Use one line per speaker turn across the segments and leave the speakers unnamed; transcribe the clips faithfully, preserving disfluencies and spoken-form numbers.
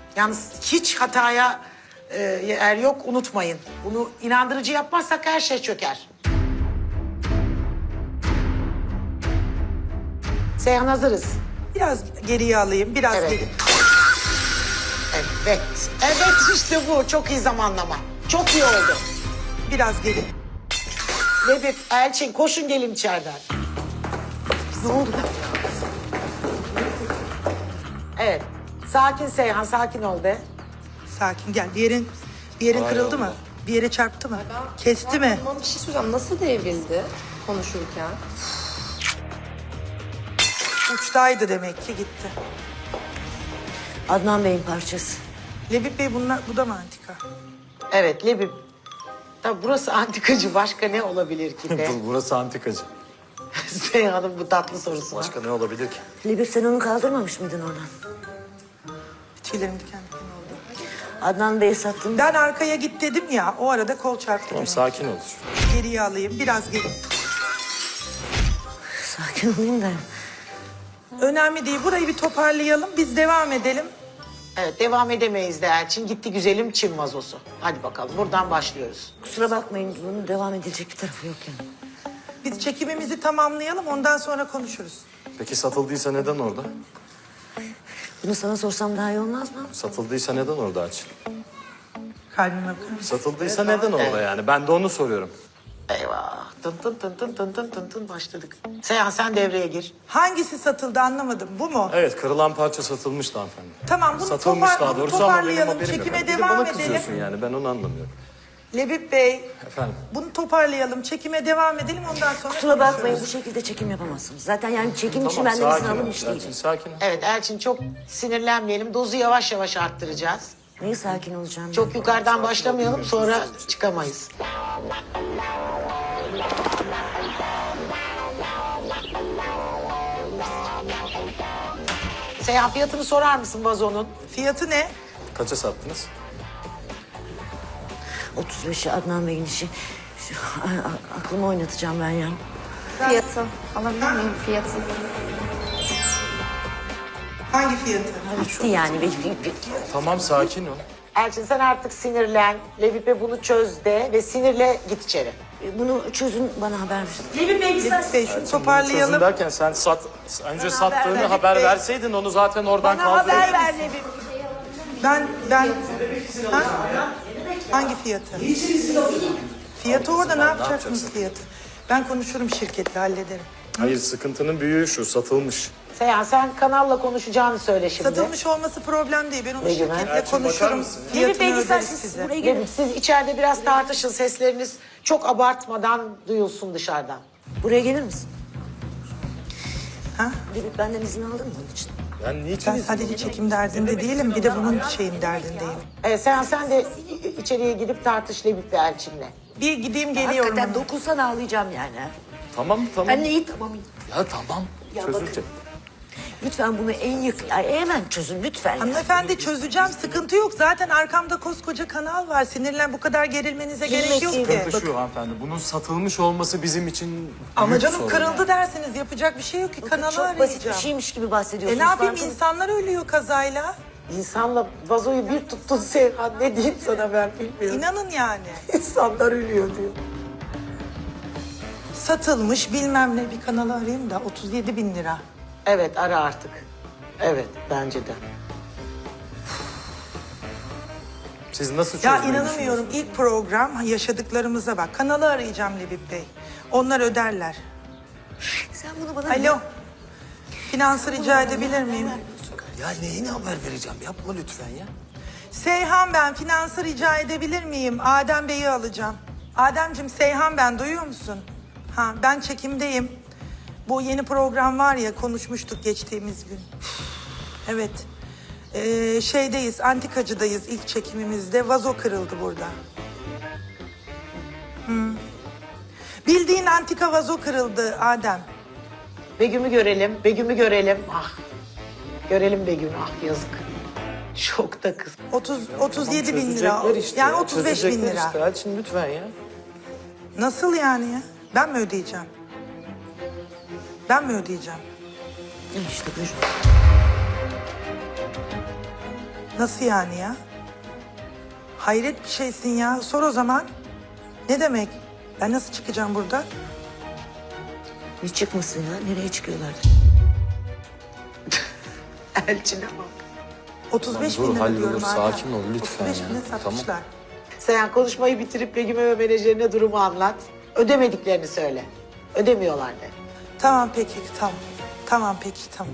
Yalnız hiç hataya e, yer yok, unutmayın. Bunu inandırıcı yapmazsak her şey çöker. Seyhan hazırız.
Biraz geriye alayım, biraz
Evet.
geri.
Evet. Evet işte bu. Çok iyi zamanlama. Çok iyi oldu.
Biraz geri.
Lebip, Elçin koşun gelin içeriden. Ne oldu? Evet. Sakin Seyhan, sakin ol be.
Sakin gel. Bir yerin, bir yerin kırıldı mı? Bir yere çarptı mı? Kesti mi?
Bana bir şey soracağım. Nasıl devrildi konuşurken?
Uçtaydı demek ki gitti.
Adnan Bey'in parçası.
Lebip Bey bunlar, bu da mı antika?
Evet Lebip. Tabii burası antikacı. Başka ne olabilir ki de?
Burası antikacı.
Seyhan'ın bu tatlı sorusu var.
Başka ne olabilir ki?
Lebip sen onu kaldırmamış mıydın oradan?
Tüylerim diken diken oldu.
Adnan Bey'i sattın.
Ben arkaya git dedim ya, o arada kol çarptı.
Tamam
beni.
sakin ol.
Geriye alayım, biraz geri.
Sakin olayım da.
Önemli değil, burayı bir toparlayalım, biz devam edelim.
Evet devam edemeyiz de Elçin. Gitti güzelim Çin vazosu. Hadi bakalım buradan başlıyoruz.
Kusura bakmayın bunun devam edilecek bir tarafı yok yani.
Biz çekimimizi tamamlayalım, ondan sonra konuşuruz.
Peki satıldıysa neden orada?
Bunu sana sorsam daha iyi olmaz mı?
Satıldıysa neden orada Açıl?
Kalbime bakar mısın?
Satıldıysa neden orada yani? Ben de onu soruyorum.
Eyvah. Tın tın tın tın tın tın tın tın başladık. Seyhan sen devreye gir.
Hangisi satıldı anlamadım, bu mu?
Evet kırılan parça satılmıştı hanımefendi.
Tamam, bunu
Satılmış
topar-
daha
bunu
doğrusu ama benim
toparlayalım,
haberim yok.
çekime
Bir de
devam
bana
edelim.
kızıyorsun yani ben onu anlamıyorum.
Lebip Bey,
Efendim?
bunu toparlayalım, çekime devam edelim, ondan sonra
Kusura bakmayın bu
konuşuruz.
şekilde çekim yapamazsınız. Zaten yani çekim için
Tamam
benden izin
sakin ol.
alınmış
Elçin
değilim.
sakin ol.
Evet Elçin çok sinirlenmeyelim. Dozu yavaş yavaş arttıracağız.
Neyi sakin olacağım?
Çok yukarıdan başlamayalım sonra çıkamayız. Seyhan fiyatını sorar mısın vazonun?
Fiyatı ne?
Kaça sattınız?
otuz beşi Adnan Bey'in işi. Şu, a- a- aklımı oynatacağım ben ya.
Fiyatı. Alabilir miyim fiyatı?
Hangi fiyatı?
Bitti yani. Bir, bir, bir.
Tamam sakin ol.
Elçin sen artık sinirlen. Levip'e bunu çöz de ve sinirle git içeri.
Bunu çözün bana haber verin.
Lebip Bey, şunu
Çözüm
toparlayalım.
derken sen sat, önce
Bana
sattığını
haber ver,
haber
Bey.
verseydin onu zaten oradan
Bana haber
kaldırırdın.
ver Lebip. Ben, ben... Ha? Hangi fiyatı? Fiyatı orada ne yapacaksınız fiyatı? Ben konuşurum şirketle, hallederim.
Hayır sıkıntının büyüğü şu satılmış.
Seyhan sen kanalla konuşacağını söyle şimdi.
Satılmış olması problem değil. Ben onu
Ne güven?
şirketle
Elçin, bakar
konuşurum.
mısın?
Levip
Fiyatını
Bey
öderiz
siz
size.
buraya gelin.
Levip, siz içeride biraz tartışın. Sesleriniz çok abartmadan duyulsun dışarıdan.
Buraya gelir misin?
Ha?
Lebip benden izin aldın mı bunun için?
Ben niçin
Ben
izin
sadece çekim derdinde değilim. Bir de bunun şeyin derdindeyim.
Evet, Seyhan sen de i- içeriye gidip tartış Levip ve Elçin'le.
Bir gideyim geliyorum.
Hakikaten
hemen.
dokunsan ağlayacağım yani.
Tamam tamam.
Ben neyi tamam.
Ya tamam.
Ya
Çözülecek.
Lütfen bunu en yakın, ya hemen çözün lütfen. ya.
Hanımefendi çözeceğim. Sıkıntı yok. Zaten arkamda koskoca kanal var. Sinirlen bu kadar gerilmenize gerek yok
değil.
ki.
Sıkıntı şu hanımefendi. Bunun satılmış olması bizim için
Ama
büyük
canım
sorun
kırıldı
yani.
dersiniz. Yapacak bir şey yok ki. Kanalı
Çok basit bir
arayacağım.
şeymiş gibi
E
bahsediyorsunuz.
ne yapayım?
farkında-
İnsanlar ölüyor kazayla.
İnsanla vazoyu bir tuttun Seyhan. Ne diyeyim sana ben bilmiyorum.
İnanın yani.
İnsanlar ölüyor diyor.
Satılmış bilmem ne bir kanalı arayayım da otuz yedi bin lira.
Evet ara artık. Evet bence de.
Siz nasıl
Ya
çözmeyi
inanamıyorum. İlk program yaşadıklarımıza bak. Kanalı arayacağım Lebip Bey. Onlar öderler.
Sen bunu bana...
Alo. Finansı rica edebilir miyim?
Ya neyine haber vereceğim? Yapma lütfen ya.
Seyhan ben. Finansı rica edebilir miyim? Adem Bey'i alacağım. Ademciğim Seyhan ben. Duyuyor musun? Ha ben çekimdeyim. Bu yeni program var ya konuşmuştuk geçtiğimiz gün. Evet. Ee, şeydeyiz, antikacıdayız ilk çekimimizde. Vazo kırıldı burada. Hı. Bildiğin antika vazo kırıldı Adem.
Begüm'ü görelim. Begüm'ü görelim. Ah. Görelim Begüm'ü. Ah yazık. Şokta kız.
otuz otuz yedi bin lira.
Çözecekler işte
Yani
ya,
otuz beş bin
çözecekler
lira.
Işte. Elçin lütfen ya.
Nasıl yani ya? Ben mi ödeyeceğim? Ben mi ödeyeceğim?
İşte buyur.
Nasıl yani ya? Hayret bir şeysin ya. Sor o zaman. Ne demek? Ben nasıl çıkacağım burada?
Ne çıkmasın ya? Nereye çıkıyorlar?
Elçine bak.
otuz beş
Dur,
bin lira
hallolur.
diyorum Adem.
Sakin ol lütfen
otuz beş
ya.
bine satmışlar.
Seyhan konuşmayı bitirip Begüm'e ve menajerine durumu anlat. Ödemediklerini söyle. Ödemiyorlar de.
Tamam peki, tamam. Tamam peki, tamam.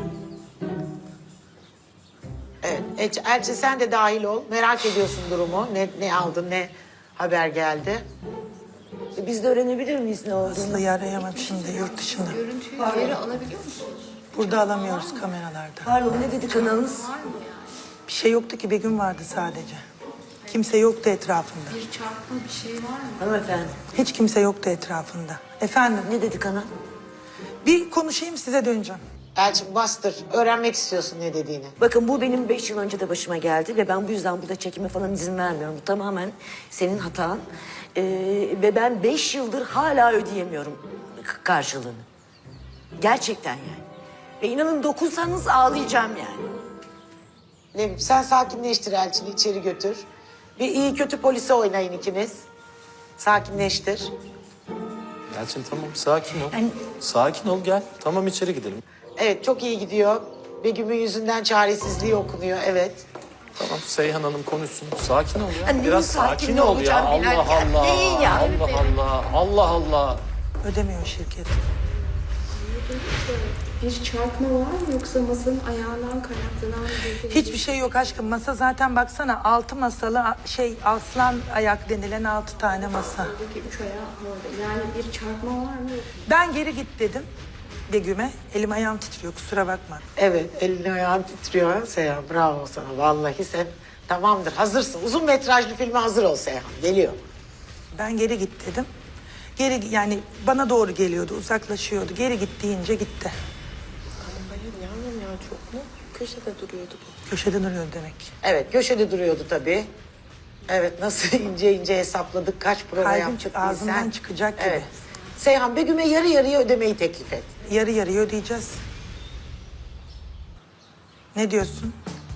Evet. Elçi, Elçi sen de dahil ol. Merak ediyorsun durumu. Ne, ne aldın, ne haber geldi.
E, Biz de öğrenebilir miyiz ne olduğunu?
Aslı'yı arayamam şimdi yurt dışında.
Görüntüyü geri alabiliyor musunuz?
Burada alamıyoruz kameralarda.
Pardon, ne dedi kanalınız?
Bir şey yoktu ki, Begüm vardı sadece. Kimse yoktu etrafında.
Bir çarpma bir şey var mı?
Hanımefendi,
Hiç kimse yoktu etrafında. Efendim,
ne dedi kanal?
bir konuşayım size döneceğim.
Elçin bastır. Öğrenmek istiyorsun ne dediğini.
Bakın bu benim beş yıl önce de başıma geldi ve ben bu yüzden burada çekime falan izin vermiyorum. Bu tamamen senin hatan. Ee, ve ben beş yıldır hala ödeyemiyorum k- karşılığını. Gerçekten yani. Ve inanın dokunsanız ağlayacağım yani.
Ne bileyim, sen sakinleştir Elçin'i içeri götür. Bir iyi kötü polise oynayın ikiniz. Sakinleştir.
Elçin tamam sakin ol.
Yani-
Sakin ol gel. Tamam içeri gidelim.
Evet çok iyi gidiyor. Begüm'ün yüzünden çaresizliği okunuyor evet.
Tamam Seyhan Hanım konuşsun. Sakin ol ya.
Ya neyin
Biraz
sakin
sakin ol ya.
olacağım
Allah
Bilal ya?
Allah.
Neyin ya?
Allah Allah. Allah Allah.
Ödemiyor şirket.
Bir çarpma var mı yoksa masanın ayağından kaynaklanan bir...
Hiçbir şey yok aşkım. Masa zaten baksana altı masalı a- şey aslan ayak denilen altı tane masa.
Buradaki üç ayağı orada. Yani bir çarpma var mı?
Ben geri git dedim Begüm'e. Elim ayağım titriyor, kusura bakma.
Evet elini ayağın titriyor Seyhan. Bravo sana vallahi sen tamamdır hazırsın. Uzun metrajlı filme hazır ol Seyhan. Geliyor.
Ben geri git dedim. Geri yani bana doğru geliyordu, uzaklaşıyordu. Geri git deyince gitti.
Hayır yavrum ya çok mu? Köşede duruyordu bu.
Köşede duruyor demek.
Evet köşede duruyordu tabii. Evet nasıl ince ince hesapladık kaç prova
Kalbim
yaptık
çık- ağzımdan
bilsen.
çıkacak gibi.
Evet. Seyhan Begüm'e yarı yarıya ödemeyi teklif et.
Yarı yarıya ödeyeceğiz. Ne diyorsun?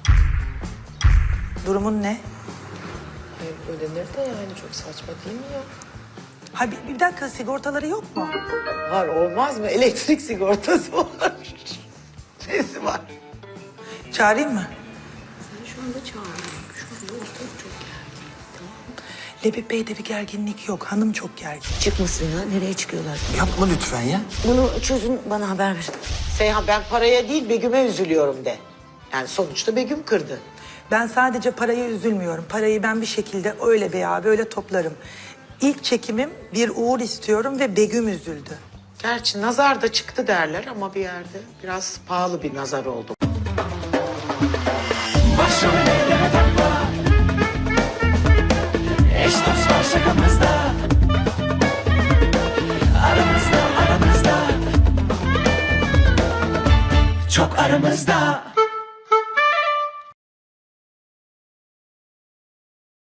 Durumun ne?
Hayır ödenir de yani çok saçma değil mi ya?
Ha bir, bir dakika, sigortaları yok mu?
Var olmaz mı? Elektrik sigortası var. Nesi var?
Çağırayım mı?
Sen şu anda çağırıyorsun. Şu anda ortalık çok gergin.
Lebip Bey'de bir gerginlik yok. Hanım çok gergin.
Çıkmasın ya. Nereye çıkıyorlar?
Yapma lütfen ya.
Bunu çözün, bana haber verin.
Seyhan ben paraya değil Begüm'e üzülüyorum de. Yani sonuçta Begüm kırdı.
Ben sadece paraya üzülmüyorum. Parayı ben bir şekilde öyle veya böyle toplarım. İlk çekimim bir uğur istiyorum ve Begüm üzüldü.
Gerçi nazar da çıktı derler ama bir yerde biraz pahalı bir nazar oldu.
Başım ellere takma. Eş dost var şakamızda. Aramızda aramızda. Çok aramızda.